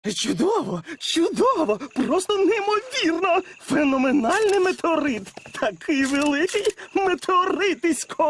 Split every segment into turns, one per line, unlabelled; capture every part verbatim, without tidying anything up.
Чудово, чудово, просто неймовірно. Феноменальний метеорит. Такий великий метеоритисько.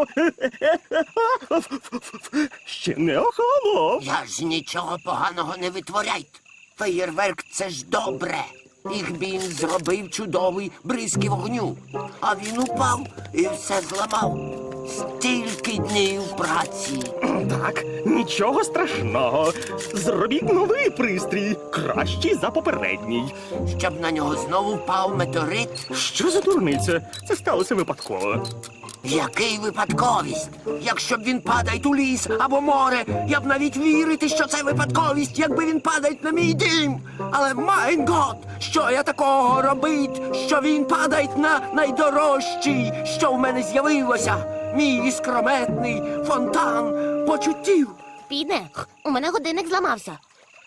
Ще не охолонув.
Я ж нічого поганого не витворяйте. Феєрверк – це ж добре. Ігбін зробив чудовий бризки вогню. А він упав і все зламав. Стільки днів праці.
Так, нічого страшного. Зробіть новий пристрій, кращий за попередній.
Щоб на нього знову впав метеорит.
Що за дурниця? Це сталося випадково.
Який випадковість? Якщо б він падає у ліс або море, я б навіть вірити, що це випадковість, якби він падає на мій дім. Але, майн гот, що я такого робить, що він падає на найдорожчий, що в мене з'явилося? Мій іскрометний фонтан почуттів.
Піде, у мене годинник зламався.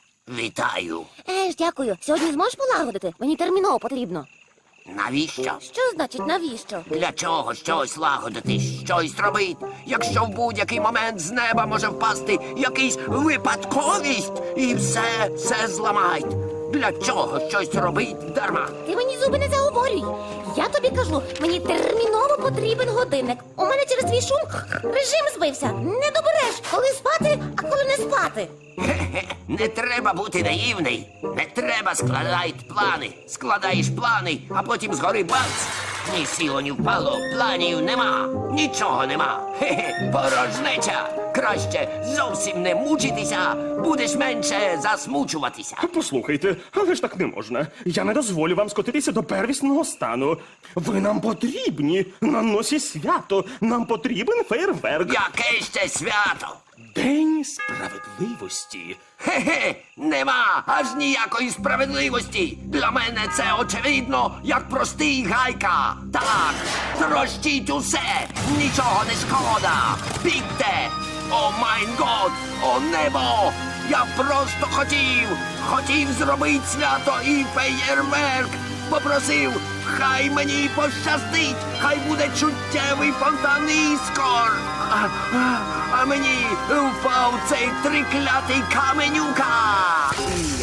Вітаю.
Еж, дякую. Сьогодні зможеш полагодити? Мені терміново потрібно.
Навіщо?
Що значить навіщо?
Для чого щось лагодити, щось робити, якщо в будь-який момент з неба може впасти якийсь випадковість і все, все зламають? Для чого щось робить дарма?
Ти мені зуби не заговорюй. Я тобі кажу, мені терміново потрібен годинник. У мене через твій шум режим збився. Не добереш, коли спати, а коли не спати.
Хе-хе, не треба бути наївний. Не треба складати плани. Складаєш плани, а потім згори бац. Ні сіло, ні впало, планів нема. Нічого нема. Хе-хе, порожнеча. Краще зовсім не мучитися, будеш менше засмучуватися.
Послухайте, але ж так не можна. Я не дозволю вам скотитися до первісного стану. Ви нам потрібні. На носі свято. Нам потрібен фейерверк.
Яке ще свято?
День справедливості.
Хе-хе, нема аж ніякої справедливості. Для мене це очевидно, як простий гайка. Так, трощіть усе, нічого не шкода. Бігте! О майн год, о небо! Я просто хотів, хотів зробити свято і феєрверк. Попросив, хай мені пощастить, хай буде чуттєвий фонтан іскор. А, а, а мені впав цей триклятий каменюка. Я.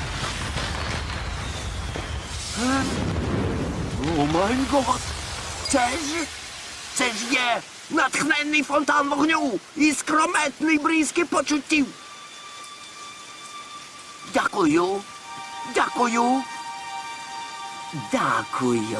Е? О май гот! Це ж, це ж є натхненний фонтан вогню і скрометний бризки почуттів. Дякую, дякую, дякую.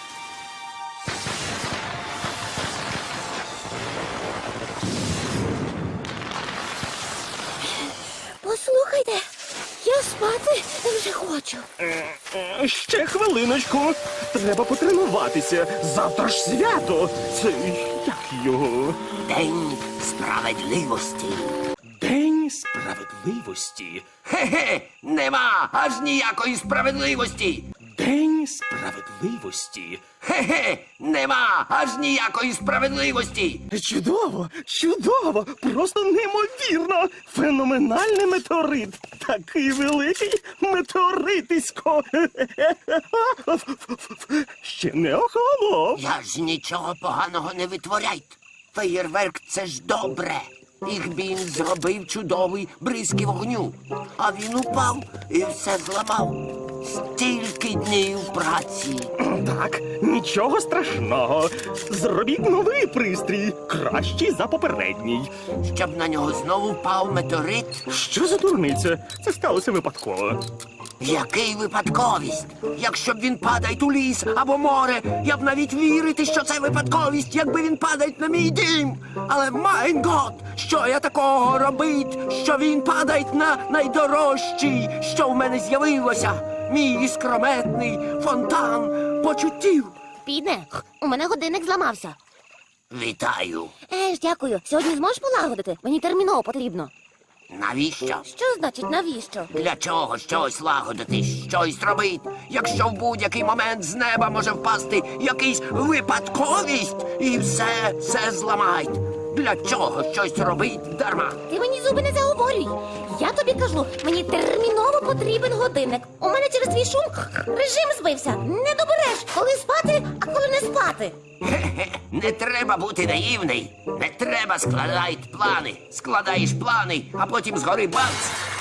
Послухайте, я спати вже хочу.
Е, Ще хвилиночку. Треба потренуватися. Завтра ж свято. Це як його?
День справедливості.
День справедливості.
Хе-хе, нема аж ніякої справедливості.
День справедливості.
Хе-хе, нема аж ніякої справедливості.
Чудово, чудово, просто неймовірно. Феноменальний метеорит. Такий великий метеоритисько. Ще не охолонув.
Я ж нічого поганого не витворяйте. Феєрверк – це ж добре. Ігбін зробив чудовий бризки вогню. А він упав і все зламав. Стільки днів праці.
Так, нічого страшного. Зробіть новий пристрій, кращий за попередній.
Щоб на нього знову впав метеорит.
Що за дурниця? Це сталося випадково.
Який випадковість? Якщо б він падає у ліс або море, я б навіть вірити, що це випадковість, якби він падає на мій дім. Але, майн гот, що я такого робить, що він падає на найдорожчий, що в мене з'явилося? Мій іскрометний фонтан почуттів.
Піде, у мене годинник зламався.
Вітаю.
Еж, дякую. Сьогодні зможеш полагодити? Мені терміново потрібно.
Навіщо?
Що значить навіщо?
Для чого щось лагодити, щось робити, якщо в будь-який момент з неба може впасти якийсь випадковість і все, все зламають? Для чого щось робить дарма?
Ти мені зуби не заговорюй. Я тобі кажу, мені терміново потрібен годинник. У мене через твій шум режим збився. Не добереш, коли спати, а коли не спати.
Хе-хе, не треба бути наївний. Не треба складати плани. Складаєш плани, а потім згори бац.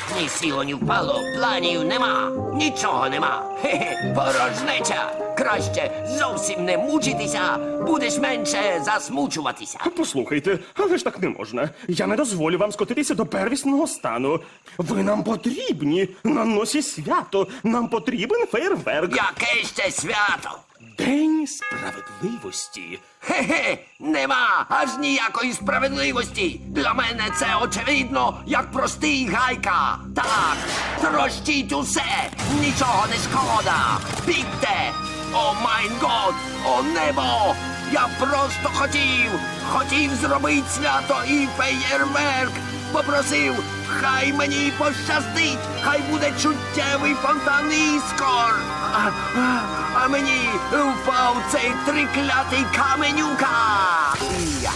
Ні сіло, ні впало, планів нема, нічого нема. Хе-хе, порожнеча. Краще зовсім не мучитися, будеш менше засмучуватися.
Послухайте, але ж так не можна. Я не дозволю вам скотитися до первісного стану. Ви нам потрібні на носі свято. Нам потрібен фейерверк.
Яке ще свято?
День справедливості.
Хе-хе, нема аж ніякої справедливості. Для мене це очевидно, як простий гайка. Так, трощіть усе, нічого не шкода. Бігте! О майн год, о небо! Я просто хотів, хотів зробити свято і феєрверк. Попросив, хай мені пощастить, хай буде чуттєвий фонтан іскор. А, а, а мені впав цей триклятий каменюка. Я.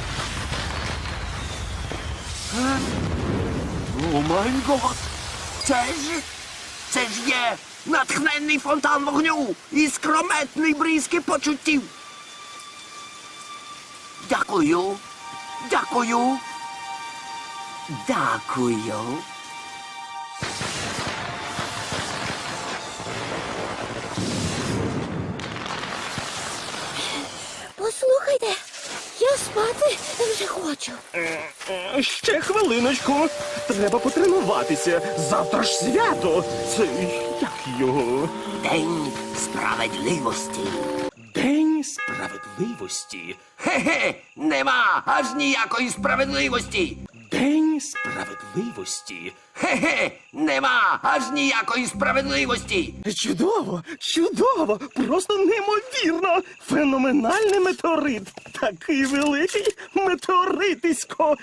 Е? О май гот! Це ж, це ж є натхненний фонтан вогню і скрометний бризки почуттів. Дякую, дякую. Дякую.
Послухайте, я спати вже хочу.
Е, Ще хвилиночку. Треба потренуватися. Завтра ж свято. Це як його?
День справедливості.
День справедливості.
Хе-хе, нема аж ніякої справедливості.
День справедливості.
Хе-хе, нема аж ніякої справедливості.
Чудово, чудово, просто неймовірно. Феноменальний метеорит. Такий великий метеоритисько.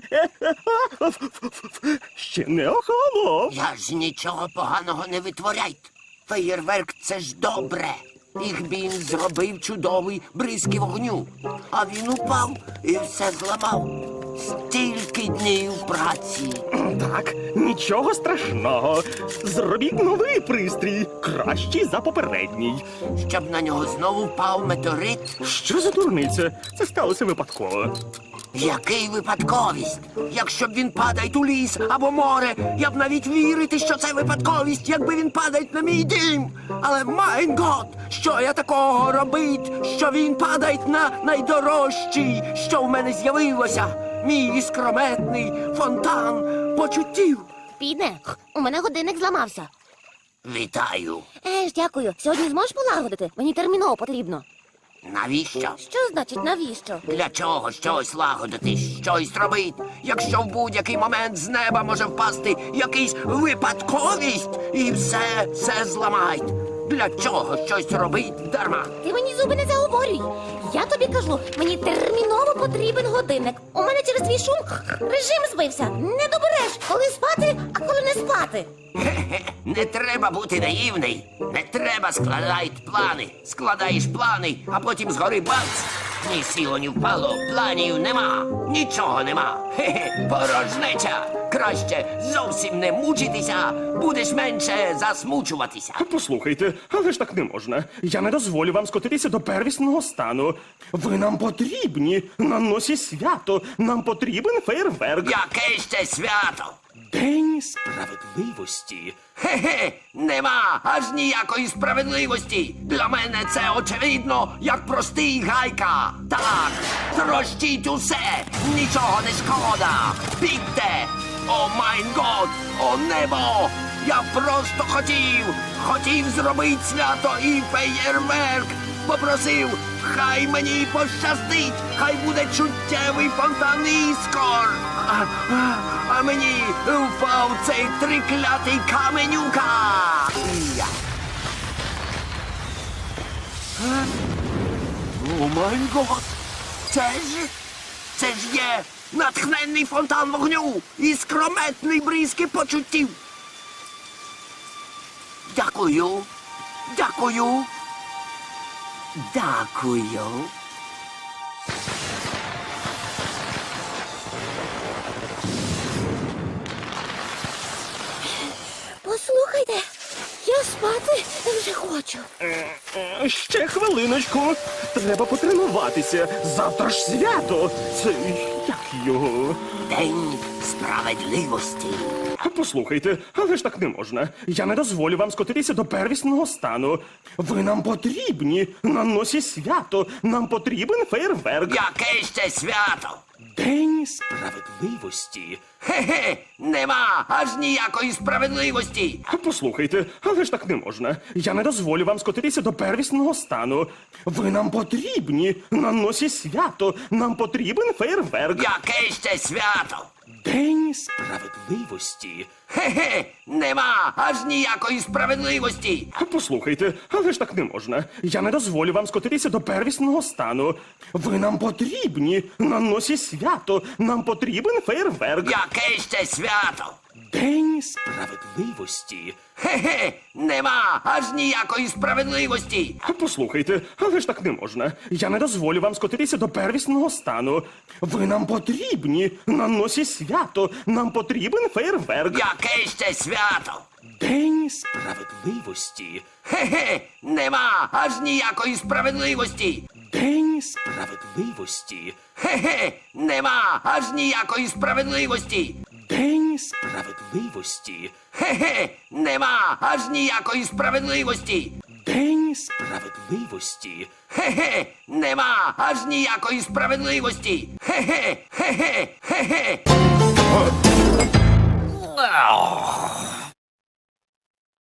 Ще не охолонув.
Я ж нічого поганого не витворяйте. Феєрверк це ж добре. Їх він зробив чудовий бризки вогню. А він упав і все зламав. Стільки днів праці.
Так, нічого страшного. Зробіть новий пристрій, кращий за попередній.
Щоб на нього знову впав метеорит.
Що за дурниця? Це сталося випадково.
Який випадковість? Якщо б він падає у ліс або море, я б навіть вірити, що це випадковість, якби він падає на мій дім. Але майн гот, що я такого робить, що він падає на найдорожчий, що в мене з'явилося. Мій іскрометний фонтан почуттів.
Піде, у мене годинник зламався.
Вітаю.
Е ж, дякую. Сьогодні зможеш полагодити? Мені терміново потрібно.
Навіщо?
Що значить навіщо?
Для чого щось лагодити, щось робить, якщо в будь-який момент з неба може впасти якийсь випадковість і все, все зламають. Для чого щось робить дарма?
Ти мені зуби не заговорюй. Я тобі кажу, мені терміново потрібен годинник. У мене через твій шум режим збився. Не добереш, коли спати, а коли не спати.
Хе-хе, не треба бути наївний. Не треба складати плани. Складаєш плани, а потім згори бац. Ні сіло, ні впало, планів нема, нічого нема. Хе-хе, порожнеча. Краще зовсім не мучитися, будеш менше засмучуватися.
Послухайте, але ж так не можна. Я не дозволю вам скотитися до первісного стану. Ви нам потрібні на носі свято. Нам потрібен фейерверк.
Яке ще свято?
День справедливості.
Хе-хе, нема аж ніякої справедливості. Для мене це очевидно, як простий гайка. Так, трощіть усе, нічого не шкода. Бігте! О майн год, о небо! Я просто хотів, хотів зробити свято і феєрверк. Попросив, хай мені пощастить, хай буде чуттєвий фонтан іскор. А, а, а мені впав цей триклятий каменюка. Я. Е? О май гот! Це ж, це ж є натхненний фонтан вогню і скрометний бризки почуттів. Дякую, дякую, дякую.
Послухайте, я спати вже хочу.
Е, е, Ще хвилиночку. Треба потренуватися. Завтра ж свято. Це як його?
День справедливості.
Послухайте, але ж так не можна. Я не дозволю вам скотитися до первісного стану. Ви нам потрібні на носі свято. Нам потрібен фейерверк.
Яке ще свято?
День справедливості.
Хе-хе, нема аж ніякої справедливості.
Послухайте, але ж так не можна. Я не дозволю вам скотитися до первісного стану. Ви нам потрібні на носі свято. Нам потрібен фейерверк.
Яке ще свято?
День справедливості.
Хе-хе, нема аж ніякої справедливості.
Послухайте, але ж так не можна. Я не дозволю вам скотитися до первісного стану. Ви нам потрібні на носі свято. Нам потрібен фейерверк.
Яке ще свято?
День справедливості.
Хе-хе, нема аж ніякої справедливості.
Послухайте, але ж так не можна. Я не дозволю вам скотитися до первісного стану. Ви нам потрібні на носі свято. Нам потрібен фейерверк.
Яке ще свято?
День справедливості.
Хе-хе, нема аж ніякої справедливості.
День справедливості.
Хе-хе, нема аж ніякої справедливості.
День справедливості.
Хе-хе, нема аж ніякої справедливості.
День справедливості.
Хе-хе, нема аж ніякої справедливості. Хе-хе, хе-хе, хе-хе.